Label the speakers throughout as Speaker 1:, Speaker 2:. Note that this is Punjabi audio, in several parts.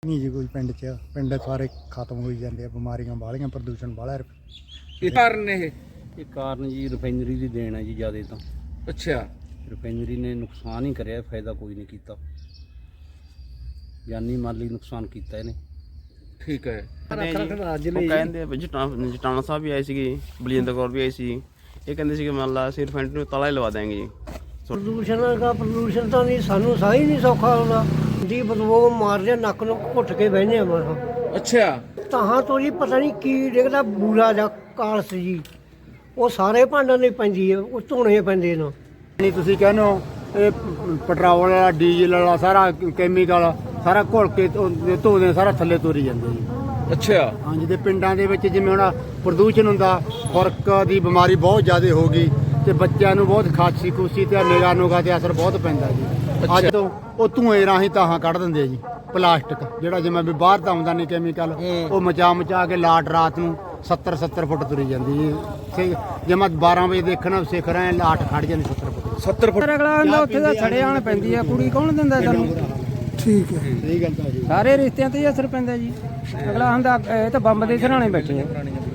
Speaker 1: नहीं जी कोई पिंड सारे खत्म हो जाते हैं, बीमारियां बालियां, प्रदूषण बाला।
Speaker 2: ਇਹ ਕਾਰਨ ਇਹ
Speaker 3: ਇਹ ਕਾਰਨ ਜੀ ਰਿਫਾਈਨਰੀ ਦੀ ਦੇਣ ਹੈ ਜੀ ਜ਼ਿਆਦਾ ਤਾਂ।
Speaker 2: ਅੱਛਾ
Speaker 3: ਰਿਫਾਈਨਰੀ ਨੇ ਨੁਕਸਾਨ ਹੀ ਕਰਿਆ, ਫਾਇਦਾ ਕੋਈ ਨਹੀਂ ਕੀਤਾ। ਜਾਨੀ ਮਾਲੀ ਨੁਕਸਾਨ ਕੀਤਾ ਇਹਨੇ।
Speaker 2: ਠੀਕ ਹੈ।
Speaker 4: ਉਹ ਕਹਿੰਦੇ ਜਟਾਣਾ ਸਾਹਿਬ ਵੀ ਆਏ ਸੀਗੇ, ਬਲਜਿੰਦਰ ਕੌਰ ਵੀ ਆਈ ਸੀ। ਇਹ ਕਹਿੰਦੇ ਸੀ ਕਿ ਮੰਨ ਲਾ ਅਸੀਂ ਰਿਫਾਈਨਰੀ ਨੂੰ ਤਾਲਾ ਹੀ ਲਵਾ ਦੇਵਾਂਗੇ ਜੀ।
Speaker 5: ਪ੍ਰਦੂਸ਼ਣ ਤਾਂ ਨਹੀਂ, ਸਾਨੂੰ ਸਾਹ ਹੀ ਨਹੀਂ ਸੌਖਾ ਹੁੰਦਾ ਦੀ ਬਦਬੂ ਮਾਰਦੇ ਨੱਕ ਨੂੰ ਘੁੱਟ ਕੇ ਬਹਿੰਦੇ ਆ ਮਸਾਂ।
Speaker 2: ਅੱਛਾ
Speaker 5: ਤਾਂ ਤੋਂ ਜੀ ਪਤਾ ਨਹੀਂ ਕੀ ਡਿੱਗਦਾ ਬੂਰਾ ਜਾਂ ਕਾਲਸ ਜੀ, ਉਹ ਸਾਰੇ ਭਾਂਡਾਂ ਦੇ ਪੈਂਦੀ ਹੈ, ਉਹ ਧੋਣੇ ਪੈਂਦੇ ਨੇ।
Speaker 1: नहीं तुसीं कहने हो ये पेट्रोल वाला डीजल वाला सारा कैमिकल सारा घुल के धोने सारा थल्ले तुरी जाते जी।
Speaker 2: ਅੱਛਾ
Speaker 1: हाँ जी, ते पिंडां दे विच जिवें हुण प्रदूषण हुंदा, खुरक दी बीमारी बहुत ज़्यादा हो गई ते बच्चों नूं बहुत खांसी खूसी ते निगाह नूगाह ते असर बहुत पैंदा जी। अज तो वो धुएं राहीं ताहां कढ दिंदे जी, प्लास्टिक जिहड़ा जिवें भी बाहर दा आउंदा नहीं कैमिकल, वो मचा के लाट रात नूं 70 फुट तुरी जाती जी। जे मैं 12 बजे देखना सिख रहे लाट खड़ जाती 70 फुट।
Speaker 2: 70 ਫੁੱਟ
Speaker 6: ਅਗਲਾ ਹੁੰਦਾ ਉੱਥੇ ਦਾ ਛੜੇ ਆਣ ਪੈਂਦੀ ਆ, ਕੁੜੀ ਕੌਣ ਦਿੰਦਾ ਸਾਨੂੰ?
Speaker 1: ठीक है, सही गल है जी।
Speaker 6: ਸਾਰੇ ਰਿਸ਼ਤਿਆਂ ਤੇ ਹੀ ਅਸਰ ਪੈਂਦਾ ਜੀ। ਅਗਲਾ ਹੁੰਦਾ ਇਹ ਤਾਂ ਬੰਬ ਦੇ ਸਰਾਣੇ ਬੈਠੇ ਆ।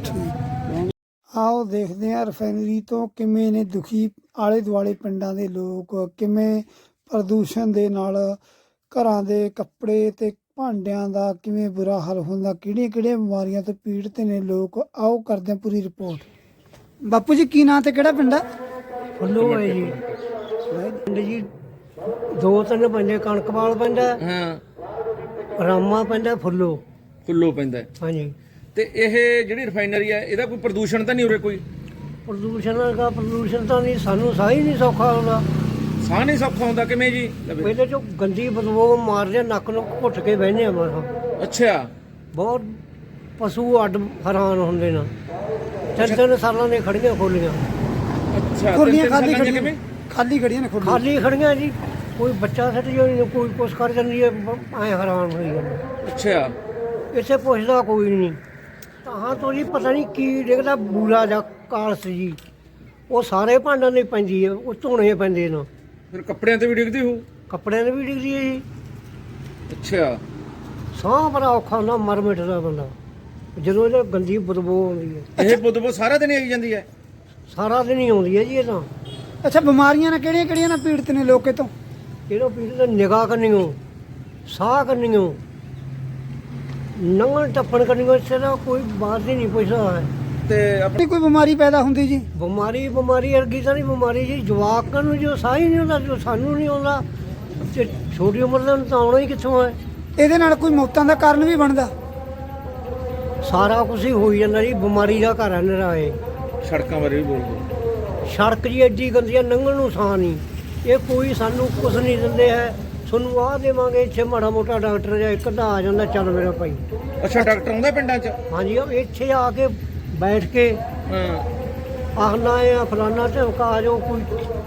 Speaker 7: ਆਓ ਦੇਖਦੇ ਹਾਂ ਰਿਫਾਈਨਰੀ ਤੋਂ ਕਿਵੇਂ ਨੇ ਦੁਖੀ ਆਲੇ ਦੁਆਲੇ ਪਿੰਡਾਂ ਦੇ ਲੋਕ, ਕਿਵੇਂ ਪ੍ਰਦੂਸ਼ਣ ਦੇ ਨਾਲ ਘਰਾਂ ਦੇ ਕੱਪੜੇ ਤੇ ਭਾਂਡਿਆਂ ਦਾ ਕਿਵੇਂ ਬੁਰਾ ਹਾਲ ਹੁੰਦਾ, ਕਿਹੜੀਆਂ ਬਿਮਾਰੀਆਂ ਤੋਂ ਪੀੜਤ ਨੇ ਲੋਕ। ਆਓ ਕਰਦੇ ਹਾਂ ਪੂਰੀ ਰਿਪੋਰਟ। ਬਾਪੂ ਜੀ ਕੀ ਨਾਂ ਤੇ ਕਿਹੜਾ ਪਿੰਡ ਆ?
Speaker 5: ਫੁੱਲੋ ਹੈ ਜੀ ਪਿੰਡ ਜੀ, 2-3 ਪੈਂਦੇ, ਕਣਕਵਾਲ ਪੈਂਦਾ,
Speaker 2: ਹਾਂ
Speaker 5: ਰਾਮਾ ਪੈਂਦਾ, ਫੁੱਲੋ।
Speaker 2: ਫੁੱਲੋ ਪੈਂਦਾ ਹੈ।
Speaker 5: ਹਾਂਜੀ।
Speaker 2: ਤੇ ਇਹ ਜਿਹੜੀ ਰਿਫਾਈਨਰੀ ਹੈ ਇਹਦਾ ਕੋਈ ਪ੍ਰਦੂਸ਼ਣ ਤਾਂ ਨਹੀਂ ਉਰੇ ਕੋਈ?
Speaker 5: ਪ੍ਰਦੂਸ਼ਣ ਤਾਂ ਨਹੀਂ, ਸਾਨੂੰ ਸਾਹ ਹੀ ਨਹੀਂ ਸੌਖਾ ਹੁੰਦਾ।
Speaker 2: ਸਾਹ ਨਹੀਂ ਸੌਖਾ ਹੁੰਦਾ ਕਿਵੇਂ ਜੀ?
Speaker 5: ਪਹਿਲੇ ਚੋਂ ਗੰਦੀ ਬਦਬੂ ਮਾਰਦੇ ਨੱਕ ਨੂੰ ਘੁੱਟ ਕੇ ਬਹਿੰਦੇ ਆ ਮਸਾਂ।
Speaker 2: ਅੱਛਾ
Speaker 5: ਬਹੁਤ ਪਸ਼ੂ ਅੱਡ ਹੈਰਾਨ ਹੁੰਦੇ ਨੇ। 3 ਸਾਲਾਂ ਦੇ ਖੜੀਆਂ ਖੋਲੀਆਂ,
Speaker 2: ਅੱਛਾ
Speaker 7: ਖੁਰਲੀਆਂ
Speaker 2: ਤਿੰਨ
Speaker 7: ਖਾਲੀ
Speaker 2: ਸਾਲਾਂ ਦੀਆਂ
Speaker 7: ਖੜੀਆਂ,
Speaker 2: ਕਿਵੇਂ?
Speaker 7: ਖਾਲੀ ਖੜੀਆਂ ਨੇ ਖੁਰਲੀਆਂ।
Speaker 5: ਖਾਲੀ ਖੜੀਆਂ ਜੀ। ਕੋਈ ਬੱਚਾ ਸੱਟ ਜਾਂਦੀ, ਕੋਈ ਕੁਛ ਕਰ ਜਾਂਦੀ ਹੈ, ਐ ਹੈਰਾਨ ਹੋਈ ਜਾਂਦੇ।
Speaker 2: ਅੱਛਾ
Speaker 5: ਇੱਥੇ ਪੁੱਛਦਾ ਕੋਈ ਨਹੀਂ। ਤਾਂ ਤੋਂ ਜੀ ਪਤਾ ਨਹੀਂ ਕੀ ਡਿੱਗਦਾ ਬੂਰਾ ਜਾਂ ਕਾਲਸ ਜੀ, ਉਹ ਸਾਰੇ ਭਾਂਡਾਂ ਦੇ ਪੈਂਦੀ ਹੈ, ਉਹ ਧੋਣੇ ਪੈਂਦੇ ਨੇ।
Speaker 2: ਫਿਰ ਕੱਪੜਿਆਂ ਤੇ ਵੀ ਡਿੱਗਦੀ ਹੋਊ?
Speaker 5: ਕੱਪੜਿਆਂ ਦੇ ਵੀ ਡਿੱਗਦੀ ਹੈ ਜੀ।
Speaker 2: ਅੱਛਾ
Speaker 5: ਸਾਹ ਬੜਾ ਔਖਾ ਹੁੰਦਾ, ਮਰ ਮਿਟਦਾ ਬੰਦਾ ਜਦੋਂ ਇਹ ਗੰਦੀ ਬਦਬੂ ਆਉਂਦੀ ਹੈ।
Speaker 2: ਇਹ ਬਦਬੂ ਸਾਰਾ ਦਿਨ ਆਈ ਜਾਂਦੀ ਹੈ?
Speaker 5: ਸਾਰਾ ਦਿਨ ਹੀ ਆਉਂਦੀ ਹੈ ਜੀ। ਇਹ ਤਾਂ
Speaker 7: ਅੱਛਾ, ਬਿਮਾਰੀਆਂ ਨਾਲ ਕਿਹੜੀਆਂ ਨਾਲ ਪੀੜਤ ਨੇ ਲੋਕ ਇਹ ਤੋਂ?
Speaker 5: ਇਹਨੂੰ ਪੀੜ ਨਿਗਾਹ ਕਰਨੀਓ, ਸਾਹ ਕਰਨੀਓ, ਨੰਗਣ ਟੱਪਣ ਕਰਨੀਓ, ਇੱਥੇ ਦਾ ਕੋਈ ਬਾਤ ਹੀ ਨਹੀਂ ਪੁੱਛਦਾ ਹੈ।
Speaker 2: ਤੇ
Speaker 7: ਆਪਣੀ ਕੋਈ ਬਿਮਾਰੀ ਪੈਦਾ ਹੁੰਦੀ ਜੀ?
Speaker 5: ਬਿਮਾਰੀ ਵਰਗੀ ਤਾਂ ਨਹੀਂ ਬਿਮਾਰੀ ਜੀ। ਜਵਾਕਾਂ ਨੂੰ ਜੋ ਸਾਹ ਹੀ ਨਹੀਂ ਹੁੰਦਾ, ਜੋ ਸਾਨੂੰ ਨਹੀਂ ਆਉਂਦਾ, ਤੇ ਛੋਟੀ ਉਮਰ ਦੇ ਨੂੰ ਤਾਂ ਆਉਣਾ ਹੀ ਕਿੱਥੋਂ ਹੈ।
Speaker 7: ਇਹਦੇ ਨਾਲ ਕੋਈ ਮੌਤਾਂ ਦਾ ਕਾਰਨ ਵੀ ਬਣਦਾ?
Speaker 5: ਸਾਰਾ ਕੁਝ ਹੀ ਹੋਈ ਜਾਂਦਾ ਜੀ। ਬਿਮਾਰੀ ਦਾ ਘਰ ਹੈ ਨਿਰਾਏ।
Speaker 2: ਸੜਕਾਂ ਬਾਰੇ ਵੀ ਬੋਲਦੇ।
Speaker 5: ਸੜਕ ਜੀ ਐਡੀ ਗੰਦੀ ਹੈ, ਲੰਘਣ ਨੂੰ ਸਾਹ ਨਹੀਂ। ਇਹ ਕੋਈ ਸਾਨੂੰ ਕੁਝ ਨਹੀਂ ਦਿੰਦੇ ਹੈ, ਤੁਹਾਨੂੰ ਆਹ ਦੇਵਾਂਗੇ। ਇੱਥੇ ਮਾੜਾ ਮੋਟਾ ਡਾਕਟਰ ਜਾਂ ਇੱਕ ਅੱਧਾ ਆ ਜਾਂਦਾ, ਚੱਲ ਮੇਰਾ ਭਾਈ।
Speaker 2: ਅੱਛਾ ਡਾਕਟਰ ਆਉਂਦਾ ਪਿੰਡਾਂ 'ਚ?
Speaker 5: ਹਾਂਜੀ, ਉਹ ਇੱਥੇ ਆ ਕੇ ਬੈਠ ਕੇ
Speaker 2: ਹਾਂ
Speaker 5: ਆਖਣਾ ਆ ਫਲਾਨਾ ਢਮਕਾ ਆ ਜਾਓ, ਕੋਈ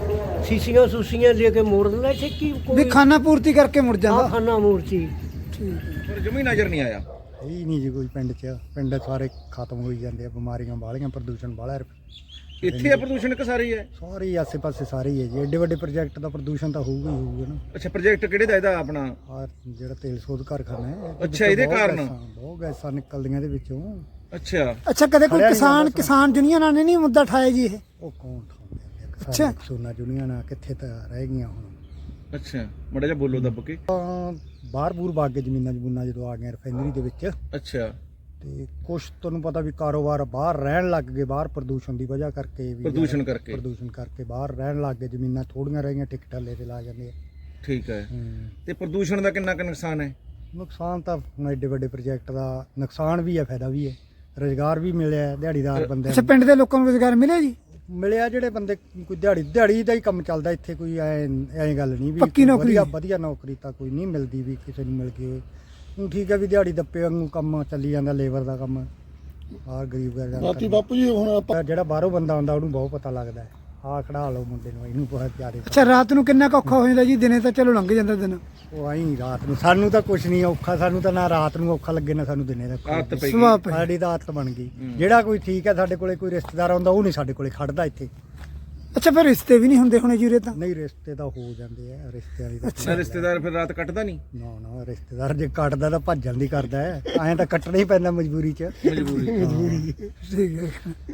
Speaker 5: ਸੀਸੀਆਂ ਦੇ ਕੇ ਮੋੜ ਦਿੰਦਾ। ਇੱਥੇ ਕੀ
Speaker 7: ਵੀ
Speaker 5: ਕੋਈ
Speaker 7: ਖਾਣਾ ਪੂਰਤੀ ਕਰਕੇ ਮੁੜ ਜਾਂਦਾ?
Speaker 5: ਖਾਨਾ ਮੂਰਤੀ।
Speaker 2: ਪਰ ਜਮੀ ਨਜ਼ਰ ਨਹੀਂ ਆਇਆ।
Speaker 1: ही नहीं जी कोई पिंड सारे खत्म हो जाते हैं, बीमारियां बालियां, प्रदूषण बाला।
Speaker 2: ਇੱਥੇ ਆ ਪ੍ਰਦੂਸ਼ਣ ਕਿ ਸਾਰੀ ਹੈ?
Speaker 1: सारे ही आसे पासे सारे ही है जी। एडे वड्डे प्रोजेक्ट का प्रदूषण तो होगा ही होगा ना।
Speaker 2: ਅੱਛਾ ਪ੍ਰੋਜੈਕਟ ਕਿਹੜੇ ਦਾ ਇਹਦਾ ਆਪਣਾ?
Speaker 1: ਆ ਜਿਹੜਾ ਤੇਲ ਸੋਧ ਕਾਰਖਾਨਾ ਹੈ, ਇਹਦੇ
Speaker 2: ਅੱਛਾ,
Speaker 1: ਵਿੱਚੋਂ
Speaker 2: ਇਹਦੇ
Speaker 1: ਬਹੁਤ
Speaker 2: ਕਾਰਨ?
Speaker 1: ਬਹੁਤ ਗੈਸਾਂ ਨਿਕਲਦੀਆਂ ਇਹਦੇ ਵਿੱਚੋਂ।
Speaker 2: ਅੱਛਾ
Speaker 7: ਅੱਛਾ, ਕਦੇ ਕੋਈ ਕਿਸਾਨ ਯੂਨੀਅਨਾਂ ਨੇ ਨਹੀਂ ਮੁੱਦਾ ਉਠਾਇਆ ਜੀ ਇਹ?
Speaker 1: ਉਹ ਕੌਣ ਉਠਾਉਂਦੇ ਆ?
Speaker 7: ਅੱਛਾ।
Speaker 1: ਕਿਸਾਨਾਂ ਯੂਨੀਅਨਾਂ ਕਿੱਥੇ ਤਾਂ ਰਹਿ ਗਈਆਂ ਹੁਣ।
Speaker 2: ਅੱਛਾ ਮੜਾ ਜਿਹਾ ਬੋਲੋ ਦੱਬ ਕੇ।
Speaker 1: ਬਾਹਰ ਬੂਰ ਬਾਗ ਕੇ ਜ਼ਮੀਨਾਂ ਜਦੋਂ ਆ ਗਈਆਂ ਰਿਫਾਈਨਰੀ ਦੇ ਵਿੱਚ,
Speaker 2: ਅੱਛਾ
Speaker 1: ਤੇ ਕੁਛ ਤੁਹਾਨੂੰ ਪਤਾ ਵੀ ਕਾਰੋਬਾਰ ਬਾਹਰ ਰਹਿਣ ਲੱਗ ਗਏ, ਬਾਹਰ ਪ੍ਰਦੂਸ਼ਣ ਦੀ ਵਜ੍ਹਾ ਕਰਕੇ ਵੀ।
Speaker 2: ਪ੍ਰਦੂਸ਼ਣ ਕਰਕੇ
Speaker 1: ਬਾਹਰ ਰਹਿਣ ਲੱਗ ਗਏ, ਜ਼ਮੀਨਾਂ ਥੋੜੀਆਂ ਰਹਿ ਗਈਆਂ, ਟਿਕਟਾਂ ਤੇ ਲਾ ਜਾਂਦੇ ਆ।
Speaker 2: ਠੀਕ ਹੈ। ਤੇ ਪ੍ਰਦੂਸ਼ਣ ਦਾ ਕਿੰਨਾ ਕੁ ਨੁਕਸਾਨ ਹੈ?
Speaker 1: ਨੁਕਸਾਨ ਤਾਂ ਹੁਣ ਐਡੇ ਵੱਡੇ ਪ੍ਰੋਜੈਕਟ ਦਾ ਨੁਕਸਾਨ ਵੀ ਹੈ, ਫਾਇਦਾ ਵੀ ਹੈ। ਰੁਜ਼ਗਾਰ ਵੀ ਮਿਲਿਆ ਦਿਹਾੜੀਦਾਰ ਬੰਦੇ
Speaker 7: ਅੱਛਾ, ਪਿੰਡ ਦੇ ਲੋਕਾਂ ਨੂੰ ਰੁਜ਼ਗਾਰ ਮਿਲਿਆ ਜੀ?
Speaker 1: ਮਿਲਿਆ, ਜਿਹੜੇ ਬੰਦੇ ਕੋਈ ਦਿਹਾੜੀ ਦਾ ਹੀ ਕੰਮ ਚੱਲਦਾ ਇੱਥੇ। ਕੋਈ ਐਂ ਗੱਲ ਨਹੀਂ ਵੀ
Speaker 7: ਪੱਕੀ ਨੌਕਰੀ?
Speaker 1: ਵਧੀਆ ਨੌਕਰੀ ਤਾਂ ਕੋਈ ਨਹੀਂ ਮਿਲਦੀ ਵੀ ਕਿਸੇ ਨੂੰ ਮਿਲ ਗਈ। ਹੁਣ ਠੀਕ ਹੈ ਵੀ ਦਿਹਾੜੀ ਦੱਪੇ ਵਾਂਗੂ ਕੰਮ ਚੱਲੀ ਜਾਂਦਾ, ਲੇਬਰ ਦਾ ਕੰਮ। ਆਹ ਗਰੀਬ ਬਾਕੀ ਬਾਪੂ ਜੀ ਹੁਣ ਜਿਹੜਾ ਬਾਹਰੋਂ ਬੰਦਾ ਆਉਂਦਾ ਉਹਨੂੰ ਬਹੁਤ ਪਤਾ ਲੱਗਦਾ ਹੈ। ਆਹ ਖੜਾ ਲਓ ਮੁੰਡੇ ਨੂੰ, ਇਹਨੂੰ ਬਹੁਤ ਪਿਆਰੇ।
Speaker 7: ਅੱਛਾ, ਰਾਤ ਨੂੰ ਕਿੰਨਾ ਕੁ ਔਖਾ ਹੋ ਜਾਂਦਾ ਜੀ? ਦਿਨੇ ਤਾਂ ਚਲੋ ਲੰਘ ਜਾਂਦਾ ਦਿਨ।
Speaker 1: ਉਹ ਆਈ ਰਾਤ ਨੂੰ ਸਾਨੂੰ ਤਾਂ ਕੁਝ ਨਹੀਂ ਔਖਾ, ਸਾਨੂੰ ਤਾਂ ਨਾ ਰਾਤ ਨੂੰ ਔਖਾ ਲੱਗੇ ਨਾ ਸਾਨੂੰ ਦਿਨੇ ਦਾ।
Speaker 2: ਆਦਤ ਪਈ
Speaker 7: ਸੁਭਾਅ ਪਈ।
Speaker 1: ਸਾਡੀ ਤਾਂ ਆਦਤ ਬਣ ਗਈ। ਜਿਹੜਾ ਕੋਈ ਠੀਕ ਹੈ, ਸਾਡੇ ਕੋਲੇ ਕੋਈ ਰਿਸ਼ਤੇਦਾਰ ਆਉਂਦਾ ਉਹ ਨਹੀਂ ਸਾਡੇ ਕੋਲੇ ਖੜਦਾ ਇੱਥੇ।
Speaker 7: ਅੱਛਾ ਫਿਰ ਰਿਸ਼ਤੇ ਵੀ ਨਹੀਂ ਹੁੰਦੇ ਹੋਣੇ ਜੀਰੇ ਤਾਂ
Speaker 1: ਨਹੀਂ ਰਿਸ਼ਤੇ ਤਾਂ ਹੋ ਜਾਂਦੇ ਆ ਰਿਸ਼ਤੇ ਵਾਲੀ
Speaker 2: ਨਾ ਰਿਸ਼ਤੇਦਾਰ ਫਿਰ ਰਾਤ ਕੱਟਦਾ ਨਹੀਂ
Speaker 1: ਨਾ ਰਿਸ਼ਤੇਦਾਰ ਜੇ ਕੱਟਦਾ ਤਾਂ ਭੱਜਣ ਦੀ ਕਰਦਾ ਹੈ ਐਂ ਤਾਂ ਕੱਟਣਾ ਹੀ ਪੈਂਦਾ ਮਜਬੂਰੀ 'ਚ
Speaker 2: ਮਜਬੂਰੀ
Speaker 7: ਠੀਕ ਹੈ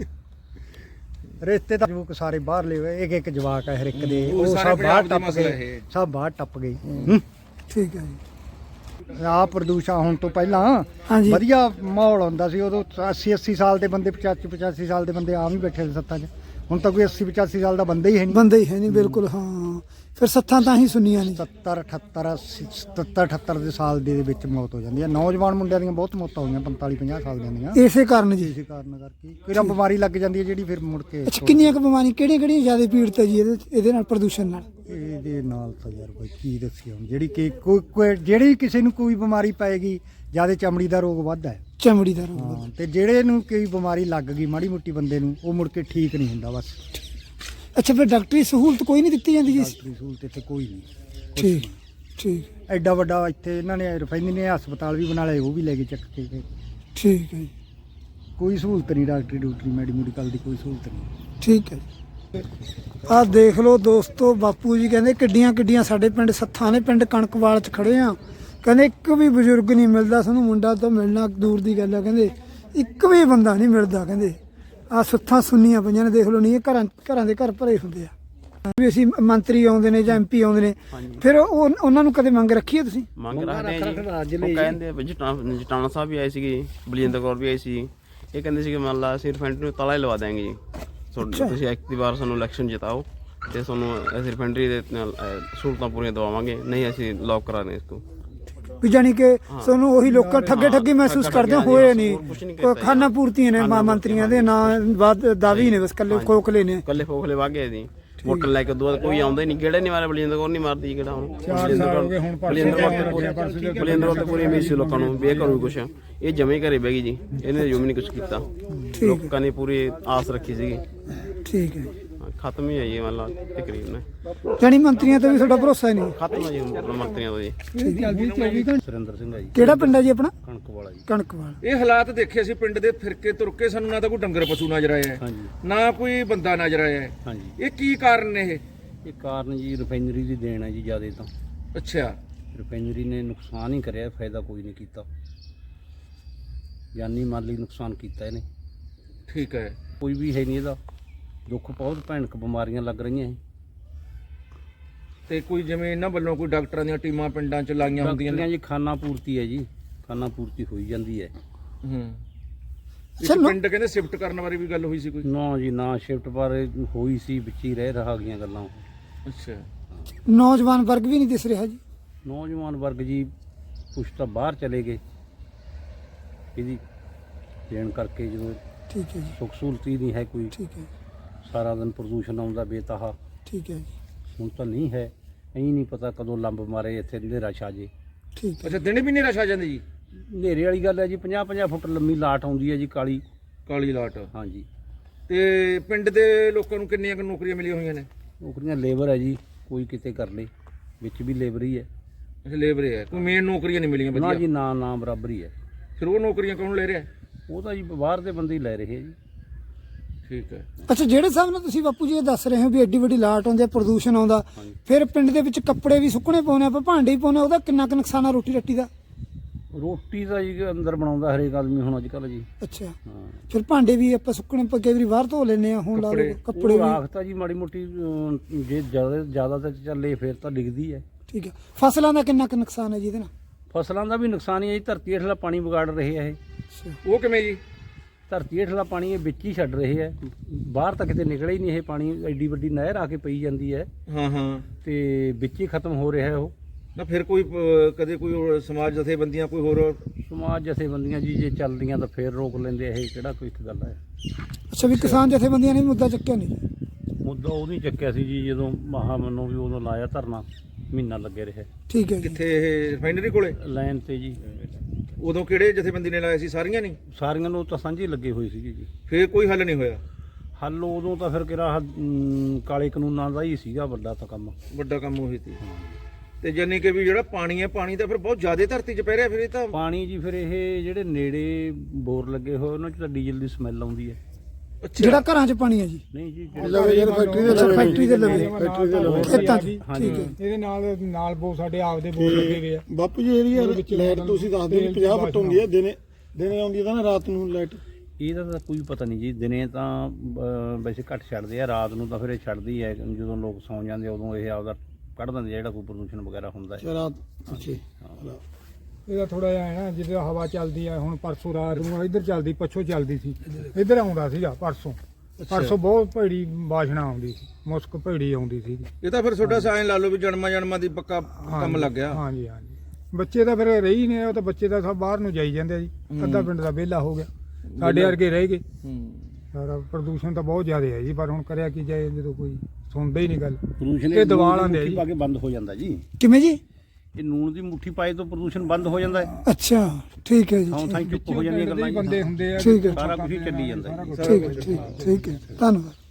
Speaker 1: ਰਿਸ਼ਤੇ ਤਾਂ ਜਵਾਕ ਸਾਰੇ ਬਾਹਰ ਲੈ ਹੋਏ ਇੱਕ ਜਵਾਕ ਹੈ ਹਰ ਇੱਕ ਦੇ
Speaker 2: ਉਹ
Speaker 1: ਉਹ
Speaker 2: ਸਾਰੇ
Speaker 1: ਸਭ ਬਾਹਰ
Speaker 2: ਪੰਜਾਬ ਦਾ
Speaker 1: ਟੱਪ
Speaker 2: ਮਸਲਾ
Speaker 1: ਗਏ
Speaker 2: ਇਹ।
Speaker 1: ਸਭ ਬਾਹਰ ਟੱਪ ਗਏ
Speaker 7: ਠੀਕ ਹੈ ਜੀ
Speaker 1: ਆ ਪ੍ਰਦੂਸ਼ਣ ਹੋਣ ਤੋਂ ਪਹਿਲਾਂ
Speaker 7: ਹਾਂਜੀ।
Speaker 1: ਵਧੀਆ ਮਾਹੌਲ ਹੁੰਦਾ ਸੀ ਉਦੋਂ 80 ਸਾਲ ਦੇ ਬੰਦੇ 85 ਸਾਲ ਦੇ ਬੰਦੇ ਆਮ ਹੀ ਬੈਠੇ ਸੀ ਸੱਤਾਂ 'ਚ ਹੁਣ ਤਾਂ ਕੋਈ 80 ਸਾਲ ਦਾ ਬੰਦਾ ਹੀ ਹੈ ਨਹੀਂ
Speaker 7: ਬੰਦੇ ਹੀ ਹੈ ਨਹੀਂ ਬਿਲਕੁਲ ਹਾਂ ਫਿਰ ਸੱਥਾਂ ਤਾਂ ਹੀ ਸੁਣੀਆਂ ਨਹੀਂ
Speaker 1: 77 78 ਦੇ ਸਾਲ ਦੇ ਵਿੱਚ ਮੌਤ ਹੋ ਜਾਂਦੀ ਹੈ ਨੌਜਵਾਨ ਮੁੰਡਿਆਂ ਦੀਆਂ ਬਹੁਤ ਮੌਤਾਂ ਹੋਈਆਂ 45 50 ਸਾਲ ਦੀਆਂ
Speaker 7: ਇਸੇ ਕਾਰਨ ਜੀ
Speaker 1: ਇਸੇ ਕਾਰਨ ਕਰਕੇ ਕੋਈ ਨਾ ਬਿਮਾਰੀ ਲੱਗ ਜਾਂਦੀ ਹੈ ਜਿਹੜੀ ਫਿਰ ਮੁੜ ਕੇ
Speaker 7: ਅੱਛਾ ਕਿੰਨੀਆਂ ਕੁ ਬਿਮਾਰੀਆਂ ਕਿਹੜੀਆਂ ਜ਼ਿਆਦਾ ਪੀੜਤ ਹੈ ਜੀ ਇਹਦੇ ਨਾਲ ਪ੍ਰਦੂਸ਼ਣ ਨਾਲ
Speaker 1: ਇਹਦੇ ਨਾਲ ਤਾਂ ਯਾਰ ਕੋਈ ਕੀ ਦੱਸੀ ਹੁਣ ਜਿਹੜੀ ਕਿ ਜਿਹੜੀ ਕਿਸੇ ਨੂੰ ਕੋਈ ਬਿਮਾਰੀ ਪਏਗੀ ਜਿਆਦਾ ਚਮੜੀ ਦਾ ਰੋਗ ਵੱਧਦਾ ਹੈ
Speaker 7: ਚਮੜੀ ਦਾ ਰੋਗ
Speaker 1: ਹਾਂ ਤੇ ਜਿਹੜੇ ਨੂੰ ਕੋਈ ਬਿਮਾਰੀ ਲੱਗ ਗਈ ਮਾੜੀ ਮੋਟੀ ਬੰਦੇ ਨੂੰ ਉਹ ਮੁੜ ਕੇ ਠੀਕ ਨਹੀਂ ਹੁੰਦਾ ਬਸ
Speaker 7: ਅੱਛਾ ਫਿਰ ਡਾਕਟਰੀ ਸਹੂਲਤ ਕੋਈ ਨਹੀਂ ਦਿੱਤੀ ਜਾਂਦੀ ਜੀ
Speaker 1: ਡਾਕਟਰੀ ਸਹੂਲਤ ਇੱਥੇ ਕੋਈ ਨਹੀਂ
Speaker 7: ਠੀਕ ਠੀਕ
Speaker 1: ਐਡਾ ਵੱਡਾ ਇੱਥੇ ਇਹਨਾਂ ਨੇ ਰਿਫਾਈਨਰੀ ਨੇ ਹਸਪਤਾਲ ਵੀ ਬਣਾ ਲਏ ਉਹ ਵੀ ਲੈ ਕੇ ਚੱਕ ਕੇ
Speaker 7: ਠੀਕ ਹੈ ਜੀ
Speaker 1: ਕੋਈ ਸਹੂਲਤ ਨਹੀਂ ਡਾਕਟਰੀ ਮੈਡੀਕਲ ਦੀ ਕੋਈ ਸਹੂਲਤ ਨਹੀਂ
Speaker 7: ਠੀਕ ਹੈ ਜੀ ਆਹ ਦੇਖ ਲਓ ਦੋਸਤੋ ਬਾਪੂ ਜੀ ਕਹਿੰਦੇ ਕਿੱਡੀਆਂ ਸਾਡੇ ਪਿੰਡ ਸੱਥਾਂ ਨੇ ਪਿੰਡ ਕਣਕਵਾਲ 'ਚ ਖੜੇ ਆ ਕਹਿੰਦੇ ਇੱਕ ਵੀ ਬਜ਼ੁਰਗ ਨਹੀਂ ਮਿਲਦਾ ਸਾਨੂੰ ਮੁੰਡਾ ਤਾਂ ਮਿਲਣਾ ਦੂਰ ਦੀ ਗੱਲ ਆ ਕਹਿੰਦੇ ਇੱਕ ਵੀ ਬੰਦਾ ਨਹੀਂ ਮਿਲਦਾ ਕਹਿੰਦੇ ਆ ਸੱਥਾਂ ਸੁੰਨੀਆਂ ਪਈਆਂ ਨੇ ਦੇਖ ਲਓ ਨਹੀਂ ਇਹ ਘਰਾਂ ਦੇ ਘਰ ਭਰੇ ਹੁੰਦੇ ਆ ਵੀ ਅਸੀਂ ਮੰਤਰੀ ਆਉਂਦੇ ਨੇ ਜਾਂ ਐਮਪੀ ਆਉਂਦੇ ਨੇ ਫਿਰ ਉਹਨਾਂ ਨੂੰ ਕਦੇ ਮੰਗ ਰੱਖੀ ਹੈ ਤੁਸੀਂ
Speaker 4: ਮੰਗ ਰੱਖਦੇ ਆ ਜੀ ਉਹ ਕਹਿੰਦੇ ਜਟਾਣਾ ਸਾਹਿਬ ਵੀ ਆਏ ਸੀਗੇ ਬਲਜਿੰਦਰ ਕੌਰ ਵੀ ਆਈ ਸੀ ਇਹ ਕਹਿੰਦੇ ਸੀ ਕਿ ਮੰਨ ਲਾ ਅਸੀਂ ਰਿਫਾਈਨਰੀ ਨੂੰ ਤਾਲਾ ਹੀ ਲਵਾ ਦਾਂਗੇ ਜੀ ਤੁਸੀਂ ਇੱਕ ਦੀ ਵਾਰ ਸਾਨੂੰ ਇਲੈਕਸ਼ਨ ਜਿਤਾਓ ਤੇ ਤੁਹਾਨੂੰ ਅਸੀਂ ਰਿਫਾਈਨਰੀ ਦੇ ਨਾਲ ਸਹੂਲਤਾਂ ਪੂਰੀਆਂ ਦਵਾਵਾਂਗੇ ਨਹੀਂ ਅਸੀਂ ਲੌਕ ਕਰਾਣੇ ਇਸ ਤੋਂ
Speaker 7: ਵੀ ਜਾਨੀ ਕਿ ਸਾਨੂੰ ਉਹੀ ਲੋਕਾਂ ਠੱਗੀ ਮਹਿਸੂਸ ਕਰਦੇ ਹੋਏ ਨਹੀਂ ਖਾਨਾ ਪੂਰਤੀਆਂ ਨੇ ਮੰਤਰੀਆਂ ਦੇ ਨਾਂ ਦਾਅਵੇ ਨੇ ਬਸ ਕੱਲੇ ਖੋਖਲੇ ਨੇ
Speaker 4: ਕੱਲੇ ਖੋਖਲੇ ਵਾਗੇ ਜੀ ਵੋਟਰ ਲੈ ਕੇ ਉਦੋਂ ਕੋਈ ਆਉਂਦਾ ਹੀ ਨਹੀਂ ਕਿਹੜੇ ਨਹੀਂ ਮਾਰੇ ਬਲਜਿੰਦਰ ਕੌਰ ਨਹੀਂ ਮਾਰਦੀ ਕਿਹੜਾ ਹੁਣ ਬਲਜਿੰਦਰ ਕੌਰ ਤੇ ਪੂਰੀ ਉਮੀਦ ਸੀ ਲੋਕਾਂ ਨੂੰ ਵੀ ਇਹ ਕਰੂ ਕੁਛ ਇਹ ਜਮੇ ਘਰੇ ਬਹਿ ਗਈ ਜੀ ਇਹਨੇ ਜਮੇ ਨਹੀਂ ਕੁਛ ਕੀਤਾ ਲੋਕਾਂ ਨੇ ਪੂਰੀ ਆਸ ਰੱਖੀ ਸੀਗੀ
Speaker 7: ਠੀਕ ਹੈ
Speaker 4: ਖਤਮ ਹੀ ਹੈ ਜੀ ਮੰਨ ਲਾ ਤਕਰੀਬਨ
Speaker 7: ਜਾਨੀ ਮੰਤਰੀਆਂ ਤੇ ਵੀ ਤੁਹਾਡਾ ਭਰੋਸਾ ਹੀ ਨਹੀਂ
Speaker 4: ਖਤਮ ਹੈ ਜੀ ਮੰਤਰੀਆਂ ਤੋਂ ਜੀ
Speaker 3: ਸੁਰਿੰਦਰ ਸਿੰਘ ਆ ਜੀ
Speaker 7: ਕਿਹੜਾ ਪਿੰਡ ਹੈ ਜੀ ਆਪਣਾ
Speaker 3: ਕਣਕ ਵਾਲਾ ਜੀ
Speaker 7: ਕਣਕਵਾਲ
Speaker 2: ਇਹ ਹਾਲਾਤ ਦੇਖੇ ਸੀ ਪਿੰਡ ਦੇ ਫਿਰਕੇ ਤੁਰਕੇ ਸਾਨੂੰ ਨਾ ਤਾਂ ਕੋਈ ਡੰਗਰ ਪਸ਼ੂ ਨਜ਼ਰ ਆਇਆ ਹੈ,
Speaker 3: ਹਾਂਜੀ
Speaker 2: ਨਾ ਕੋਈ ਬੰਦਾ ਨਜ਼ਰ ਆਇਆ ਹੈ।
Speaker 3: ਹਾਂਜੀ
Speaker 2: ਇਹ ਕੀ ਕਾਰਨ ਨੇ ਇਹ
Speaker 3: ਕਾਰਨ ਜੀ ਰਿਫਾਈਨਰੀ ਦੀ ਦੇਣ ਹੈ ਜੀ ਜ਼ਿਆਦਾ ਤਾਂ
Speaker 2: ਅੱਛਾ
Speaker 3: ਰਿਫਾਈਨਰੀ ਨੇ ਨੁਕਸਾਨ ਹੀ ਕਰਿਆ ਫਾਇਦਾ ਕੋਈ ਨਹੀਂ ਕੀਤਾ ਜਾਨੀ ਮਾਲੀ ਨੁਕਸਾਨ ਕੀਤਾ ਇਹਨੇ
Speaker 2: ਠੀਕ ਹੈ
Speaker 3: ਕੋਈ ਵੀ ਹੈ ਨਹੀਂ ਇਹਦਾ ਦੁੱਖ ਬਹੁਤ ਭੈਣਕ ਬਿਮਾਰੀਆਂ ਲੱਗ ਰਹੀਆਂ
Speaker 2: ਤੇ ਕੋਈ ਜਿਵੇਂ ਇਹਨਾਂ ਵੱਲੋਂ ਕੋਈ ਡਾਕਟਰਾਂ ਦੀਆਂ ਟੀਮਾਂ ਪਿੰਡਾਂ 'ਚ ਲਾਈਆਂ ਹੁੰਦੀਆਂ ਨੇ
Speaker 3: ਜੀ ਖਾਨਾ ਪੂਰਤੀ ਹੈ ਜੀ ਖਾਨਾ ਪੂਰਤੀ ਹੋਈ ਜਾਂਦੀ ਹੈ
Speaker 2: ਹੂੰ ਇਸ ਪਿੰਡ ਕਹਿੰਦੇ ਸ਼ਿਫਟ ਕਰਨ ਬਾਰੇ ਵੀ ਗੱਲ ਹੋਈ ਸੀ ਕੋਈ
Speaker 3: ਨਾ ਜੀ ਨਾ ਸ਼ਿਫਟ ਬਾਰੇ ਹੋਈ ਸੀ ਵਿੱਚ ਹੀ ਰਹਿ ਰਹਾ ਗਈਆਂ ਗੱਲਾਂ
Speaker 2: ਅੱਛਾ
Speaker 7: ਨੌਜਵਾਨ ਵਰਗ ਵੀ ਨਹੀਂ ਦਿਸ ਰਿਹਾ ਜੀ
Speaker 3: ਨੌਜਵਾਨ ਵਰਗ ਜੀ ਕੁਛ ਤਾਂ ਬਾਹਰ ਚਲੇ ਗਏ ਇਹਦੀ ਦੇਣ ਕਰਕੇ ਜਦੋਂ
Speaker 7: ਠੀਕ ਹੈ ਜੀ
Speaker 3: ਸੁੱਖ ਸਹੂਲਤ ਹੀ ਨਹੀਂ ਹੈ ਕੋਈ
Speaker 7: ਠੀਕ ਹੈ
Speaker 3: ਸਾਰਾ ਦਿਨ ਪ੍ਰਦੂਸ਼ਣ ਆਉਂਦਾ ਬੇਤਹਾ
Speaker 7: ਠੀਕ ਹੈ ਜੀ
Speaker 3: ਹੁਣ ਤਾਂ ਨਹੀਂ ਹੈ ਐਂ ਨਹੀਂ ਪਤਾ ਕਦੋਂ ਲੰਬ ਮਾਰੇ ਇੱਥੇ ਹਨੇਰਾ ਛਾ ਜੇ
Speaker 7: ਠੀਕ ਹੈ
Speaker 2: ਅੱਛਾ ਦਿਨੇ ਵੀ ਨੇਰਾ ਛਾ ਜਾਂਦੇ ਜੀ
Speaker 3: ਹਨੇਰੇ ਵਾਲੀ ਗੱਲ ਹੈ ਜੀ 50-50 ਫੁੱਟ ਲੰਮੀ ਲਾਟ ਆਉਂਦੀ ਹੈ ਜੀ ਕਾਲੀ
Speaker 2: ਕਾਲੀ ਲਾਟ
Speaker 3: ਹਾਂਜੀ
Speaker 2: ਤੇ ਪਿੰਡ ਦੇ ਲੋਕਾਂ ਨੂੰ ਕਿੰਨੀਆਂ ਕੁ ਨੌਕਰੀਆਂ ਮਿਲੀਆਂ ਹੋਈਆਂ ਨੇ
Speaker 3: ਨੌਕਰੀਆਂ ਲੇਬਰ ਹੈ ਜੀ ਕੋਈ ਕਿਤੇ ਕਰ ਲੇ ਵਿੱਚ ਵੀ ਲੇਬਰ ਹੀ ਹੈ
Speaker 2: ਅੱਛਾ ਲੇਬਰ ਹੈ ਕੋਈ ਮੇਨ ਨੌਕਰੀਆਂ ਨਹੀਂ ਮਿਲੀਆਂ
Speaker 3: ਨਾ
Speaker 2: ਵਧੀਆ
Speaker 3: ਜੀ ਨਾ ਬਰਾਬਰ ਹੀ ਹੈ
Speaker 2: ਫਿਰ ਉਹ ਨੌਕਰੀਆਂ ਕੌਣ ਲੈ ਰਿਹਾ
Speaker 3: ਉਹ ਤਾਂ ਜੀ ਬਾਹਰ ਦੇ ਬੰਦੇ ਹੀ ਲੈ ਰਹੇ ਹੈ ਜੀ
Speaker 2: ਠੀਕ ਹੈ
Speaker 7: ਅੱਛਾ ਜਿਹੜੇ ਹਿਸਾਬ ਨਾਲ ਤੁਸੀਂ ਬਾਪੂ ਜੀ ਇਹ ਦੱਸ ਰਹੇ ਹੋ ਵੀ ਐਡੀ ਵੱਡੀ ਲਾਟ ਆਉਂਦੀ ਹੈ ਪ੍ਰਦੂਸ਼ਣ ਆਉਂਦਾ ਫਿਰ ਪਿੰਡ ਦੇ ਵਿੱਚ ਕੱਪੜੇ ਵੀ ਸੁੱਕਣੇ ਪਾਉਣੇ ਆਪਾਂ ਭਾਂਡੇ ਹੀ ਪਾਉਣੇ ਉਹਦਾ ਕਿੰਨਾ ਕੁ ਨੁਕਸਾਨ ਆ ਰੋਟੀ ਰੱਟੀ ਦਾ
Speaker 3: ਰੋਟੀ ਤਾਂ ਜੀ ਅੰਦਰ ਬਣਾਉਂਦਾ ਹਰੇਕ ਆਦਮੀ ਹੁਣ ਅੱਜ ਕੱਲ੍ਹ ਜੀ
Speaker 7: ਅੱਛਾ
Speaker 3: ਹਾਂ
Speaker 7: ਫਿਰ ਭਾਂਡੇ ਵੀ ਆਪਾਂ ਸੁੱਕਣੇ ਪਾ ਕਈ ਵਾਰੀ ਬਾਹਰ ਧੋ ਲੈਂਦੇ ਆ ਹੁਣ ਲਾ ਲਓ ਕੱਪੜੇ
Speaker 3: ਉਹ
Speaker 7: ਵੀ
Speaker 3: ਰਾਖਤਾ ਜੀ ਮਾੜੀ ਮੋਟੀ ਜੇ ਜ਼ਿਆਦਾ ਤਾਂ ਚੱਲੇ ਫਿਰ ਤਾਂ ਡਿੱਗਦੀ ਹੈ
Speaker 7: ਠੀਕ ਹੈ ਫਸਲਾਂ ਦਾ ਕਿੰਨਾ ਕੁ ਨੁਕਸਾਨ ਹੈ ਜੀ ਇਹਦੇ ਨਾਲ
Speaker 3: ਫਸਲਾਂ ਦਾ ਵੀ ਨੁਕਸਾਨ ਹੀ ਹੈ ਜੀ ਧਰਤੀ ਹੇਠਲਾ ਪਾਣੀ ਵਿਗਾੜ ਰਹੇ ਆ ਇਹ
Speaker 7: ਅੱਛਾ
Speaker 2: ਉਹ ਕਿਵੇਂ ਜੀ
Speaker 3: ਧਰਤੀ ਹੇਠਲਾ ਪਾਣੀ ਇਹ ਵਿੱਚ ਹੀ ਛੱਡ ਰਹੇ ਹੈ ਬਾਹਰ ਤਾਂ ਕਿਤੇ ਨਿਕਲਿਆ ਹੀ ਨਹੀਂ ਇਹ ਪਾਣੀ ਐਡੀ ਵੱਡੀ ਨਹਿਰ ਆ ਕੇ ਪਈ ਜਾਂਦੀ ਹੈ
Speaker 2: ਹਾਂ ਹਾਂ
Speaker 3: ਤੇ ਵਿੱਚ ਹੀ ਖਤਮ ਹੋ ਰਿਹਾ ਉਹ
Speaker 2: ਨਾ ਫਿਰ ਕੋਈ ਕਦੇ ਕੋਈ ਹੋਰ ਸਮਾਜ ਜਥੇਬੰਦੀਆਂ ਕੋਈ ਹੋਰ
Speaker 3: ਸਮਾਜ ਜਥੇਬੰਦੀਆਂ ਜੀ ਜੇ ਚੱਲਦੀਆਂ ਤਾਂ ਫੇਰ ਰੋਕ ਲੈਂਦੇ ਇਹ ਕਿਹੜਾ ਕੋਈ ਇੱਕ ਗੱਲ ਹੈ
Speaker 7: ਅੱਛਾ ਵੀ ਕਿਸਾਨ ਜਥੇਬੰਦੀਆਂ ਨੇ ਵੀ ਮੁੱਦਾ ਚੱਕਿਆ ਨਹੀਂ
Speaker 3: ਮੁੱਦਾ ਉਹ ਨਹੀਂ ਚੱਕਿਆ ਸੀ ਜੀ ਜਦੋਂ ਮਹਾ ਮੰਨੋ ਵੀ ਉਦੋਂ ਲਾਇਆ ਧਰਨਾ ਮਹੀਨਾ ਲੱਗੇ ਰਿਹਾ
Speaker 7: ਠੀਕ ਹੈ ਜੀ
Speaker 2: ਕਿੱਥੇ ਇਹ ਰਿਫਾਈਨਰੀ ਕੋਲੇ
Speaker 3: ਲਾਈਨ ਤੇ ਜੀ
Speaker 2: ਉਦੋਂ ਕਿਹੜੇ ਜਥੇਬੰਦੀ ਨੇ ਲਾਇਆ ਸੀ ਸਾਰੀਆਂ ਨਹੀਂ
Speaker 3: ਸਾਰੀਆਂ ਨੂੰ ਤਾਂ ਸਾਂਝੀ ਲੱਗੇ ਹੋਏ ਸੀਗੇ ਜੀ
Speaker 2: ਫਿਰ ਕੋਈ ਹੱਲ ਨਹੀਂ ਹੋਇਆ
Speaker 3: ਹੱਲ ਉਦੋਂ ਤਾਂ ਫਿਰ ਕਿਹੜਾ ਕਾਲੇ ਕਾਨੂੰਨਾਂ ਦਾ ਹੀ ਸੀਗਾ ਵੱਡਾ ਤਾਂ ਕੰਮ
Speaker 2: ਵੱਡਾ ਕੰਮ ਉਹੀ ਸੀ ਤੇ ਜਾਨੀ ਕਿ ਵੀ ਜਿਹੜਾ ਪਾਣੀ ਹੈ ਪਾਣੀ ਤਾਂ ਫਿਰ ਬਹੁਤ ਜ਼ਿਆਦਾ ਧਰਤੀ 'ਚ ਪੈ ਰਿਹਾ ਫਿਰ ਇਹ ਤਾਂ
Speaker 3: ਪਾਣੀ ਜੀ ਫਿਰ ਇਹ ਜਿਹੜੇ ਨੇੜੇ ਬੋਰ ਲੱਗੇ ਹੋਏ ਉਹਨਾਂ 'ਚ ਤਾਂ ਡੀਜ਼ਲ ਦੀ ਸਮੈਲ ਆਉਂਦੀ ਹੈ
Speaker 7: ਜਿਹੜਾ ਘਰਾਂ 'ਚ ਪਾਣੀ ਹੈ ਜੀ
Speaker 3: ਨਹੀਂ ਜੀ
Speaker 7: ਫੈਕਟਰੀ ਦੇ ਲਵੇ ਖੇਤਾਂ 'ਚ ਠੀਕ ਹੈ
Speaker 8: ਇਹਦੇ ਨਾਲ ਬਹੁਤ ਸਾਡੇ ਆਪਦੇ ਬੋਰ ਲੱਗੇ ਹੋਏ ਆ।
Speaker 9: ਬਾਪੂ ਜੀ ਏਰੀਆ ਲਾਈਟ ਤੁਸੀਂ ਦੱਸਦੇ ਵੀ 50 ਫੁੱਟ ਹੁੰਦੀ ਹੈ, ਦਿਨੇ ਆਉਂਦੀ ਹੈ ਤਾਂ ਨਾ ਰਾਤ ਨੂੰ ਲਾਈਟ?
Speaker 3: ਇਹਦਾ ਤਾਂ ਕੋਈ ਪਤਾ ਨਹੀਂ ਜੀ। ਦਿਨੇ ਤਾਂ ਵੈਸੇ ਘੱਟ ਛੱਡਦੇ ਆ, ਰਾਤ ਨੂੰ ਤਾਂ ਫਿਰ ਇਹ ਛੱਡਦੀ ਹੈ। ਜਦੋਂ ਲੋਕ ਸੌਂ ਜਾਂਦੇ ਉਦੋਂ ਇਹ ਆਪਦਾ ਕੱਢ ਦਿੰਦੇ ਆ ਜਿਹੜਾ ਕੋਈ ਪ੍ਰਦੂਸ਼ਣ ਵਗੈਰਾ ਹੁੰਦਾ ਹੈ।
Speaker 9: ਰਾਤ ਅੱਛੇ
Speaker 8: ਇਹਦਾ ਥੋੜਾ ਜਿਹਾ ਹੈ ਨਾ, ਜਿੱਦਾਂ ਹਵਾ ਚੱਲਦੀ ਆ ਹੁਣ ਪਰਸੋਂ ਰਾਤ ਨੂੰ ਇੱਧਰ ਚੱਲਦੀ, ਪੱਛੋਂ ਚੱਲਦੀ ਸੀ, ਇੱਧਰ ਆਉਂਦਾ ਸੀਗਾ ਪਰਸੋਂ ਬਹੁਤ ਭੈੜੀ ਬਾਸ਼ਨਾ ਆਉਂਦੀ ਸੀ, ਮੁਸਕ ਭੈੜੀ ਆਉਂਦੀ ਸੀ।
Speaker 2: ਇਹ ਤਾਂ ਫਿਰ ਤੁਹਾਡਾ ਸਾਇਨ ਲਾ ਲਓ ਵੀ ਜਨਮਾਂ ਦੀ ਪੱਕਾ ਕੰਮ ਲੱਗ ਗਿਆ।
Speaker 8: ਹਾਂਜੀ ਬੱਚੇ ਤਾਂ ਫਿਰ ਰਹੀ ਨੇ, ਉਹ ਤਾਂ ਬੱਚੇ ਤਾਂ ਸਭ ਬਾਹਰ ਨੂੰ ਜਾਈ ਜਾਂਦੇ ਆ ਜੀ। ਅੱਧਾ ਪਿੰਡ ਦਾ ਵਿਹਲਾ ਹੋ ਗਿਆ, ਸਾਡੇ ਵਰਗੇ ਰਹਿ ਗਏ। ਸਾਰਾ ਪ੍ਰਦੂਸ਼ਣ ਤਾਂ ਬਹੁਤ ਜ਼ਿਆਦਾ ਹੈ ਜੀ, ਪਰ ਹੁਣ ਕਰਿਆ ਕੀ ਜਾਏ ਜਦੋਂ ਕੋਈ ਸੁਣਦਾ ਹੀ ਨਹੀਂ ਗੱਲ।
Speaker 3: ਪ੍ਰਦੂਸ਼ਣ
Speaker 8: ਇਹ ਦਵਾ ਲਾਂਦੇ ਆ
Speaker 3: ਮੁੱਠੀ
Speaker 8: ਜੀ।
Speaker 3: ਪਾ ਕੇ ਬੰਦ ਹੋ ਜਾਂਦਾ ਜੀ।
Speaker 7: ਕਿਵੇਂ ਜੀ?
Speaker 3: ਇਹ ਨੂਣ ਦੀ ਮੁੱਠੀ ਪਾਏ ਤੋਂ ਪ੍ਰਦੂਸ਼ਣ ਬੰਦ ਹੋ ਜਾਂਦਾ ਹੈ।
Speaker 7: ਅੱਛਾ ਠੀਕ ਹੈ ਜੀ,
Speaker 3: ਥਾਂ ਥਾਂ ਚੁੱਪ ਹੋ ਜਾਂਦੀਆਂ ਗੱਲਾਂ ਜੀ।
Speaker 8: ਬੰਦੇ ਹੁੰਦੇ ਆ,
Speaker 7: ਠੀਕ ਹੈ
Speaker 3: ਸਾਰਾ ਕੁਝ ਹੀ ਚੱਲੀ ਜਾਂਦਾ ਜੀ।
Speaker 7: ਠੀਕ ਹੈ ਧੰਨਵਾਦ।